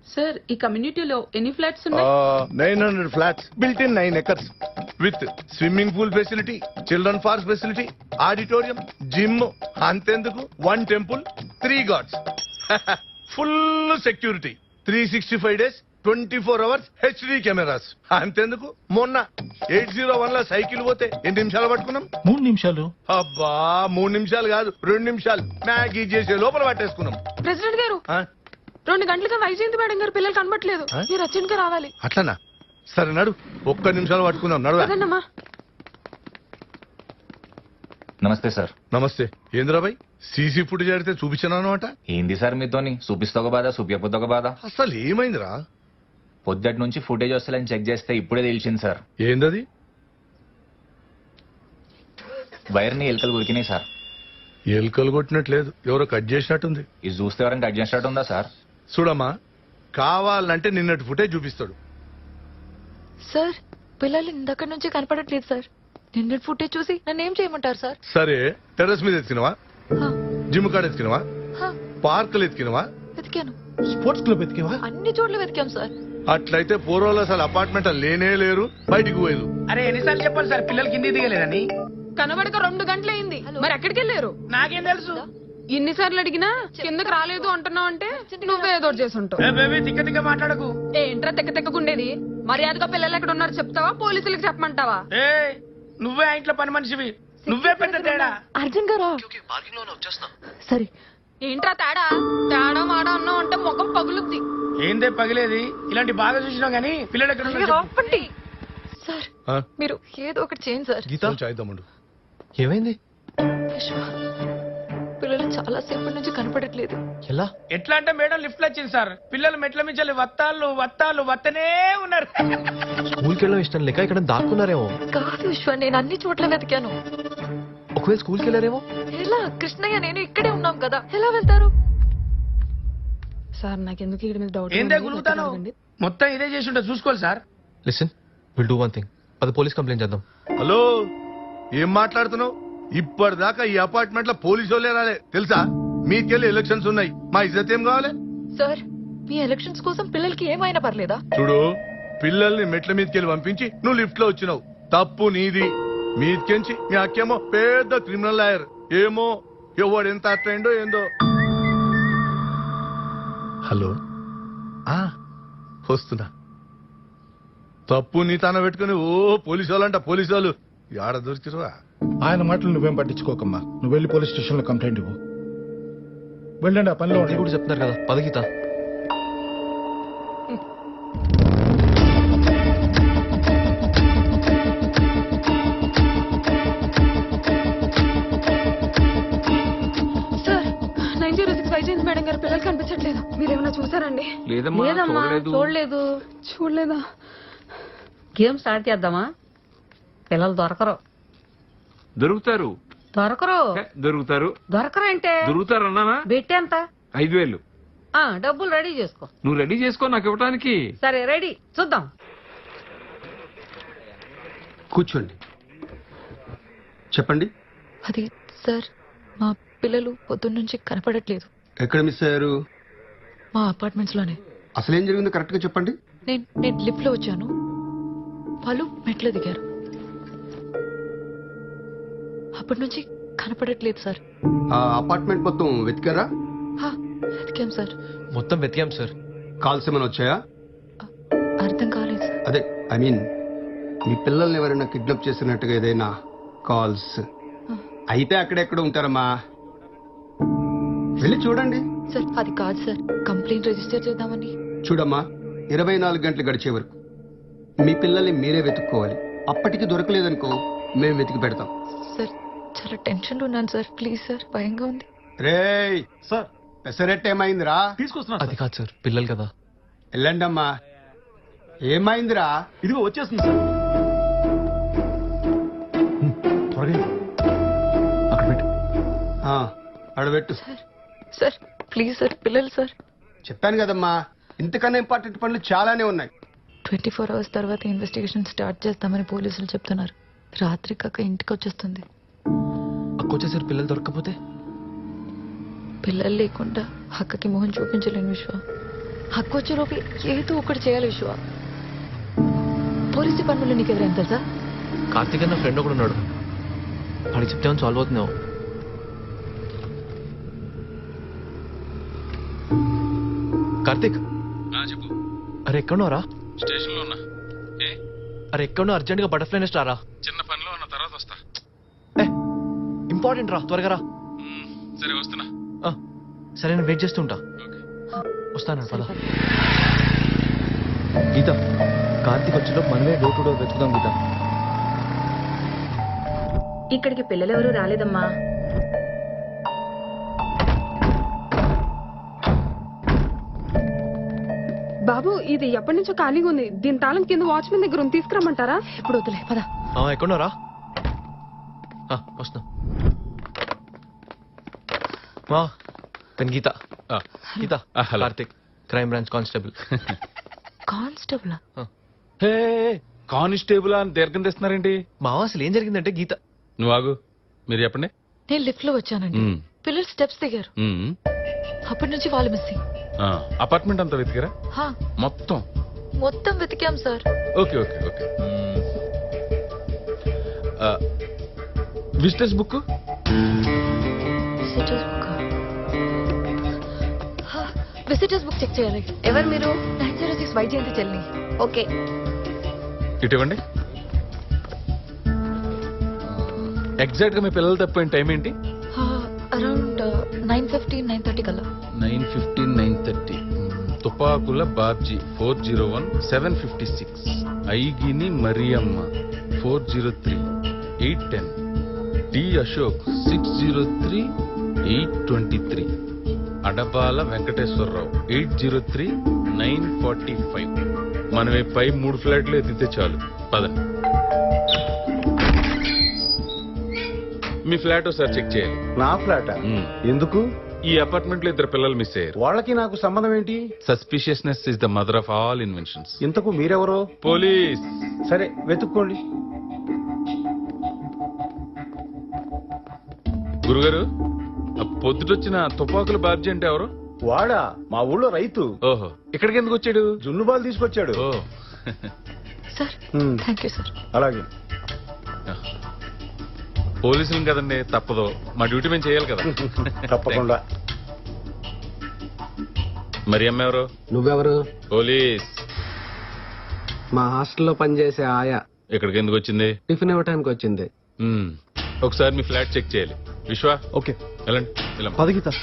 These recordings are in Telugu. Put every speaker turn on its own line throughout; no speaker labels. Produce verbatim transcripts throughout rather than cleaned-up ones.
సార్ ఈ కమ్యూనిటీలో ఎన్ని ఫ్లాట్స్ ఉన్నాయి?
Nine hundred flats built in nine acres with swimming pool facility, children park facility, auditorium, gym, అంతెందుకు one temple, three gods, full security, three sixty five days, twenty four hours HD cameras. అంతెందుకు మొన్న ఎయిట్ జీరో వన్ లో సైకిల్ పోతే ఎన్ని నిమిషాలు పట్టుకున్నాం?
మూడు నిమిషాలు.
అబ్బా మూడు నిమిషాలు కాదు, రెండు నిమిషాలు మ్యాగీ చేసే లోపల పట్టేసుకున్నాం.
ప్రెసిడెంట్ గారు
ఆ?
రెండు గంటలుగా వైజయంతి మేడం గారు పిల్లలు కనబట్లేదు. మీరు అర్జెంట్ గా రావాలి.
అట్లనా? సరే నడు, ఒక్క నిమిషాలు పట్టుకుందాం. నడువా.
అదన్నమ్మా.
నమస్తే సార్.
నమస్తే. ఏంద్రాబాయ్ సీసీ ఫుటేజ్ అడిగితే చూపించాను అనమాట.
ఏంది సార్ మీతోని? చూపిస్తా ఒక బాధ, చూపించకపోతే ఒక బాధ.
అసలు ఏమైందిరా?
పొద్దుటి నుంచి ఫుటేజ్ వస్తలేని చెక్ చేస్తే ఇప్పుడే తెలిసింది సార్.
ఏందది?
వైర్ ని ఎలుకలు ఉరికినాయి సార్.
ఎలుకలు కొట్టినట్లేదు, ఎవరో కట్ చేసినట్టుంది.
ఇది చూస్తే ఎవరైనా కట్ చేసినట్టు ఉందా సార్?
చూడమ్మా, కావాలంటే నిన్నటి ఫుటేజ్ చూపిస్తాడు.
సార్ పిల్లలు ఇందక్కడి నుంచి కనపడట్లేదు సార్. నిన్నటి ఫుటేజ్ చూసి నన్ను ఏం చేయమంటారు సార్?
సరే టెర్రస్ మీద ఎత్తికినవా?
హా,
జిమ్ కాడ ఎత్తికినవా?
హా,
పార్కులు ఎత్తికినవా?
వెతికాను.
స్పోర్ట్స్ క్లబ్ ఎతికేవా?
అన్ని చోట్ల వెతికాం సార్.
అట్లయితే పూర్వాలు అసలు అపార్ట్మెంట్ లేనే లేరు, బయటికి పోయేది.
అరే ఎన్నిసార్లు చెప్పాలి సార్ పిల్లలు కింది దిగలేదని?
కనబడక రెండు గంటలైంది. మరి ఎక్కడికి వెళ్ళారు?
నాకేం తెలుసు?
ఎన్నిసార్లు అడిగినా కిందకి రాలేదు అంటున్నావు అంటే నువ్వే ఏదో ఒకటి చేసి ఉంటావు.
ఏ బేబీ తిక్క తిక్క మాట్లాడకు.
ఏంట్రా తెక్క తెక్కకుండేది? మర్యాదగా పిల్లలు ఎక్కడ ఉన్నారు చెప్తావా, పోలీసులకు చెప్పమంటావా?
ఏ నువ్వే ఆ ఇంట్లో పని మనిషివి, నువ్వే పెద్ద తేడా.
అర్జున్ గారా? సరే.
ఏంట్రా తేడా? తేడా మాడా అన్నావు అంటే ముఖం పగులుద్ది.
ఏందే పగిలేది? ఇలాంటి బాగా చూసినావు గానీ పిల్లలు ఎక్కడ ఉన్నారు చెప్పు.
ఆపండి. సార్
ఆ?
మీరు ఏదో ఒకటి చేయండి సార్.
గీత
కొంచెం అయిద్దామండు.
ఏమైంది?
విశ్వ, పిల్లలు చాలా సేపటి నుంచి కనపడట్లేదు.
ఎలా?
ఎట్లా అంటే మేడం లిఫ్ట్ లో వచ్చింది సార్. పిల్లలు మెట్ల మించాలి వత్తాళ్ళు వత్తాళ్ళు వత్తనే ఉన్నారు.
స్కూల్కి వెళ్ళడం ఇష్టం లేక ఇక్కడ దాక్కున్నారేమో.
కాదు విశ్వ, నేను అన్ని చోట్ల వెతికాను.
ఒకవేళ స్కూల్కి వెళ్ళారేమో.
ఎలా? కృష్ణయ్య నేను ఇక్కడే ఉన్నాం కదా, ఎలా వెళ్తారు?
సార్ నాకెందుకు ఇక్కడ మీద డౌట్.
ఏందే గులుగుతాను? మొత్తం ఇదే చేసి ఉంటా, చూసుకోవాలి sir.
Listen, will do one thing. అది పోలీస్ కంప్లైంట్ చేద్దాం.
హలో, ఏం మాట్లాడుతున్నావు? ఇప్పటిదాకా ఈ అపార్ట్మెంట్ లో పోలీసు వాళ్ళే రాలే తెలుసా? మీకెళ్ళి ఎలక్షన్స్ ఉన్నాయి, మా ఇజ్జత్ ఏం కావాలి?
సార్ మీ ఎలక్షన్స్ కోసం పిల్లలకి ఏమైనా పర్లేదా?
చూడు, పిల్లల్ని మెట్ల మీదకెళ్ళి పంపించి నువ్వు లిఫ్ట్ లో వచ్చినావు, తప్పు నీది. మీదకెంచి మీ అక్కేమో పెద్ద క్రిమినల్ లాయర్. ఏమో ఎవడు ఎంత అట్రైండో ఏందో. హలో, ఆ వస్తున్నా. తప్పు నీ తాన పెట్టుకుని ఓ పోలీసు వాళ్ళంట పోలీసు వాళ్ళు ఆడ దొరికిరువా?
ఆయన మాటలు నువ్వేం పట్టించుకోకమ్మా, నువ్వు వెళ్ళి పోలీస్ స్టేషన్ లో కంప్లైంట్ ఇవ్వు. వెళ్ళండి, ఆ పనిలో
అది కూడా చెప్తున్నారు కదా. పద Geetha.
Sir nine zero six Vyjayanthi madam garu పిల్లలు కనిపించట్లేదు. మీరేమైనా చూసారండి?
లేదమ్మా, చూడలేదు.
చూడలేదా?
గేమ్ స్టార్ట్ చేద్దామా? పిల్లలు దొరకరు.
దొరుకుతారు
దొరకరు
దొరుకుతారు
దొరకరు అంటే
దొరుకుతారు అన్నానా?
బెట్టి ఎంత?
ఐదు వేలు.
ఆ డబ్బులు రెడీ చేసుకో.
నువ్వు రెడీ చేసుకో నాకు ఇవ్వడానికి.
సరే రెడీ, చూద్దాం.
కూర్చోండి, చెప్పండి.
అది సార్, మా పిల్లలు పొద్దున్న నుంచి కనపడట్లేదు.
ఎక్కడ మిస్ అయ్యారు?
మా అపార్ట్మెంట్స్ లోనే.
అసలు ఏం జరిగిందో కరెక్ట్ గా చెప్పండి.
నేను నేను లిఫ్ట్ లో వచ్చాను, వాళ్ళు మెట్లు దిగారు. అప్పటి నుంచి కనపడట్లేదు సార్.
ఆ అపార్ట్మెంట్ మొత్తం వెతికారా?
హా, వెతికాం సార్.
మొత్తం వెతికాం సార్.
కాల్స్ ఏమైనా వచ్చాయా?
అర్థం కాలేదు సార్.
అదే ఐ మీన్ మీ పిల్లల్ని ఎవరైనా కిడ్నాప్ చేసినట్టుగా ఏదైనా కాల్స్ అయితే అక్కడెక్కడ ఉంటారమ్మా, వెళ్ళి చూడండి.
సార్ అది కాదు సార్, కంప్లైంట్ రిజిస్టర్ చేద్దామని.
చూడమ్మా, ఇరవై నాలుగు గంటలు గడిచే వరకు మీ పిల్లల్ని మీరే వెతుక్కోవాలి. అప్పటికి దొరకలేదనుకో మేము వెతికి పెడతాం.
సార్ చాలా టెన్షన్ లో ఉన్నాను సార్, ప్లీజ్ సార్, భయంగా ఉంది.
రేయ్
సార్,
పెసరెట్ ఏమైందిరా?
తీసుకొస్తున్నా. అది కాదు సార్, పిల్లలు కదా.
వెళ్ళండమ్మా. ఏమైందిరా?
ఇదిగో వచ్చేస్తుంది సార్. త్వరగా అక్కడ పెట్టు.
అడబెట్టు.
సార్ సార్ ప్లీజ్ సార్, పిల్లలు సార్.
చెప్పాను కదమ్మా, ఇంతకన్నా ఇంపార్టెంట్ పనులు చాలానే ఉన్నాయి.
ట్వంటీ ఫోర్ అవర్స్ తర్వాత ఇన్వెస్టిగేషన్ స్టార్ట్ చేస్తామని పోలీసులు చెప్తున్నారు. రాత్రి కాక ఇంటికి వచ్చేస్తుంది.
అక్కొచ్చేసారు, పిల్లలు దొరకకపోతే?
పిల్లలు లేకుండా అక్కకి మొహం చూపించలేను విశ్వ. హక్కు వచ్చేలోపు ఏదో ఒకటి చేయాలి విశ్వ. పోలీస్ డిపార్ట్మెంట్లో నీకు ఎవరైనా తెలుసా?
కార్తీక్ అన్న ఫ్రెండ్ ఒకడు ఉన్నాడు, వాడికి చెప్తే సాల్వ్ అవుతున్నావు. కార్తీక్
చెప్పు.
అరే ఎక్కడున్నారా?
స్టేషన్ లో ఉన్నా. ఏ
అరే ఎక్కడున్నా? అర్జెంట్ గా బటర్ఫ్లై నెస్ట్ రారా.
చిన్న పనిలో ఉన్న తర్వాత వస్తా.
ఏ ఇంపార్టెంట్ రా, త్వరగా రా.
మ్మ్, సరే వస్తున్నా.
ఆ, సరే నేను వెయిట్ చేస్తుంటా.
ఓకే.
వస్తాను పద. గీత, కార్తీక్ వచ్చేలో మనమే డోర్ టు డోర్ వెతుకుదాం గీత.
ఇక్కడికి పిల్లలెవరూ రాలేదమ్మా. బాబు ఇది ఎప్పటి నుంచో ఖాళీగా ఉంది. దీని తాళం కింద వాచ్మెన్ దగ్గర ఉంది, తీసుకురమ్మంటారా?
ఇప్పుడు వద్దులే పద.
ఆ, ఎక్కడున్నారా? ఆ, వస్తున్నా. మా తన గీత.
ఆ,
గీత,
ఆ, hello.
Karthik, crime branch constable.
Constable
hey constable అని దీర్ఘం తెస్తున్నారేంటి?
మా అసలు ఏం జరిగిందంటే గీత.
నువ్వు ఆగు, మీరు చెప్పండి.
నేను లిఫ్ట్ లో వచ్చానండి.
మ్మ్.
పిల్లలు స్టెప్స్ దిగారు.
మ్మ్.
అప్పటి నుంచి వాళ్ళు మిస్సింగ్.
ఆ, అపార్ట్మెంట్ అంతా వెతికారా
హా,
మొత్తం?
మొత్తం వెతికాం sir.
Okay okay okay. Visitors book
visitors book visitors book check చేయాలి.
ఎవరు మీరు?
నైన్ జీరో సిక్స్ వైజయంతి చెల్లి.
ఓకే.
ఇటు ఇవ్వండి. ఎగ్జాక్ట్ గా మీ పిల్లలు తప్పిపోయిన టైం ఏంటి?
Around nine fifteen nine thirty కల్లా.
Nine fifteen nine thirty. Tupakula Babji four zero one seven fifty six. Aigini Mariyamma four zero three eight ten. D Ashok six zero three eight twenty three. Adabala Venkateswararao eight zero three nine forty five. మనం ఈ పై మూడు ఫ్లాట్లు ఎత్తితే చాలు. పదండి. మీ ఫ్లాట్ ఒకసారి చెక్ చేయాలి.
నా ఫ్లాట్
మ్మ్.
ఎందుకు?
ఈ అపార్ట్మెంట్ లో ఇద్దరు పిల్లలు మిస్ అయ్యారు.
వాళ్ళకి నాకు సంబంధం ఏంటి?
Suspiciousness is the mother of all inventions.
ఇంతకు మీరెవరో?
పోలీస్.
సరే వెతుక్కోండి.
గురుగారు, ఆ పొద్దుటొచ్చిన తుపాకుల బాబ్జీ అంటే ఎవరు?
వాడా మా ఊళ్ళో రైతు.
ఓహో, ఇక్కడికి ఎందుకు వచ్చాడు?
జున్ను బాల్ తీసుకొచ్చాడు.
Oh
sir
hmm.
Thank you sir.
అలాగే.
పోలీసులు కదండి, తప్పదు. మా డ్యూటీ మేము చేయాలి కదా.
తప్పకుండా.
మరి అమ్మ ఎవరు?
నువ్వెవరు?
పోలీస్.
మా హాస్టల్లో పనిచేసే ఆయా.
ఇక్కడికి ఎందుకు వచ్చింది?
టిఫిన్ ఇవ్వటానికి వచ్చింది.
మ్మ్. ఒకసారి మీ ఫ్లాట్ చెక్ చేయాలి. విశ్వ,
ఓకే
వెళ్ళండి. వెళ్ళమ్మ.
పద Geetha.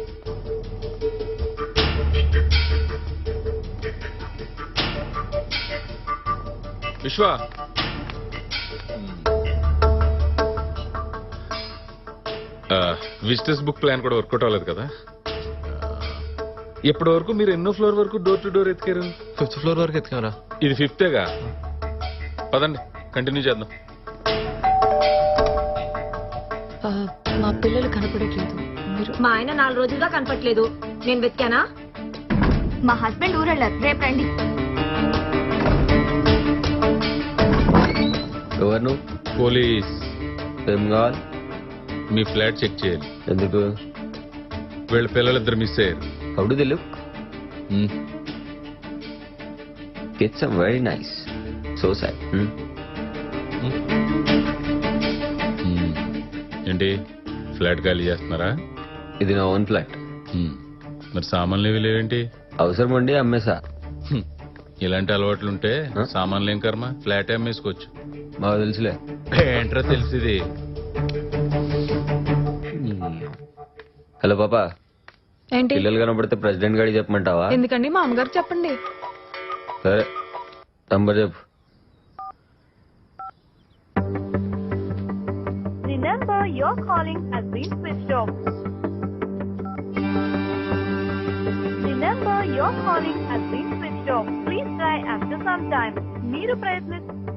Vishwa, visitors book plan కూడా వర్కౌట్ అవ్వలేదు కదా. ఇప్పటి వరకు మీరు ఎన్నో ఫ్లోర్ వరకు డోర్ టు డోర్ ఎత్తికారు?
ఫిఫ్త్ ఫ్లోర్ వరకు ఎత్తుకారా?
ఇది ఫిఫ్తేగా. పదండి, కంటిన్యూ చేద్దాం.
ఆ, మా పిల్లలు కనపడట్లేదు. మీరు
మా ఆయన నాలుగు రోజులుగా కనపట్లేదు. నేను వెతికానా? మా హస్బెండ్ ఊరెళ్ళారు. రేపు రండి.
ఎవరు నువ్వు?
పోలీస్.
ఏం కావాలి?
మీ ఫ్లాట్ చెక్ చేయాలి.
ఎందుకు?
వీళ్ళ పిల్లలిద్దరు మిస్ అయ్యారు.
How do they look?
Hmm.
It's very nice. So sad.
Hmm. ఏంటి ఫ్లాట్ ఖాళీ చేస్తున్నారా?
ఇది నా ఓన్ ఫ్లాట్.
మ్మ్. మరి సామాన్లు ఇవి లేవేంటి?
అవసరం ఉండి అమ్మేసా.
హ్మ్. ఇలాంటి అలవాట్లుంటే సామాన్లు ఏం కర్మ, ఫ్లాట్ అమ్మేసుకోవచ్చు.
మాకు తెలుసులే.
ఏంట్రా తెలిసింది?
హలో పాపా,
ఏంటి?
పిల్లలు కనబడితే ప్రెసిడెంట్ గారికి చెప్పమంటావా?
ఎందుకండి? మా అమ్మగారు చెప్పండి.
సరే, నంబర్ చెప్పు.
The number you're calling has been switched off. The number you're calling has been switched off. Please try after some time. మీరు ప్రయత్ని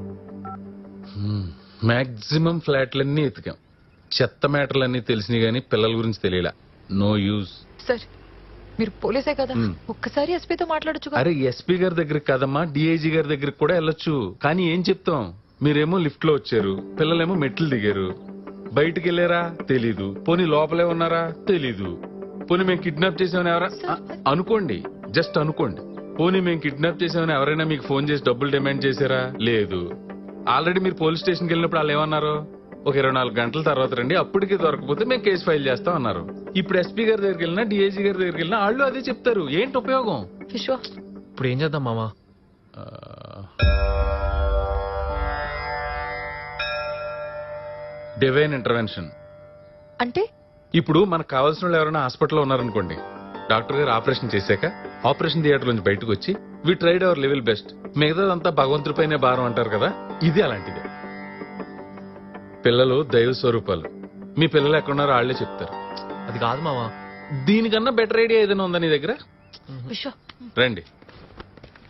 మాక్సిమం ఫ్లాట్లన్నీ ఎతికాం. చెత్త మ్యాటర్లన్నీ తెలిసినాయి కానీ పిల్లల గురించి తెలియలా. No use.
సార్ మీరు పోలీసే కదా,
మ్మ్.
ఒక్కసారి ఎస్పీతో మాట్లాడొచ్చు కదా.
అరే ఎస్పీ గారి దగ్గరికి కదమ్మా, డిఐజీ గారి దగ్గరికి కూడా వెళ్ళొచ్చు. కానీ ఏం చెప్తాం, మీరేమో లిఫ్ట్ లో వచ్చారు, పిల్లలేమో మెట్లు దిగారు. బయటికి వెళ్ళారా తెలీదు. పోనీ లోపలే ఉన్నారా తెలీదు. పోనీ మేము కిడ్నాప్ చేసామని ఎవరా అ- అనుకోండి. జస్ట్ అనుకోండి. పోనీ మేము కిడ్నాప్ చేసామని ఎవరైనా మీకు ఫోన్ చేసి డబ్బులు డిమాండ్ చేశారా? లేదు. ఆల్రెడీ మీరు పోలీస్ స్టేషన్కి వెళ్ళినప్పుడు వాళ్ళు ఏమన్నారు? ఒక ఇరవై నాలుగు గంటల తర్వాత రండి, అప్పటికి దొరకపోతే మేము కేసు ఫైల్ చేస్తాం అన్నారు. ఇప్పుడు ఎస్పీ గారి దగ్గరికి వెళ్ళినా డిఐజీ గారి దగ్గరికి వెళ్ళినా వాళ్ళు అదే చెప్తారు. ఏంటి ఉపయోగం?
విశ్వ
ఇప్పుడు ఏం చేద్దాం మామా?
Divine intervention.
అంటే
ఇప్పుడు మనకు కావాల్సిన వాళ్ళు ఎవరైనా హాస్పిటల్లో ఉన్నారనుకోండి, డాక్టర్ గారు ఆపరేషన్ చేశాక ఆపరేషన్ థియేటర్ నుంచి బయటకు వచ్చి we tried our level best, మిగతాదంతా భగవంతుడిపైనే భారం అంటారు కదా, ఇది అలాంటిదే. పిల్లలు దైవ స్వరూపాలు. మీ పిల్లలు ఎక్కడున్నారో వాళ్లే చెప్తారు.
అది కాదు మామా.
దీనికన్నా బెటర్ ఐడియా ఏదైనా ఉందా నీ దగ్గర?
విశ్వ
రండి.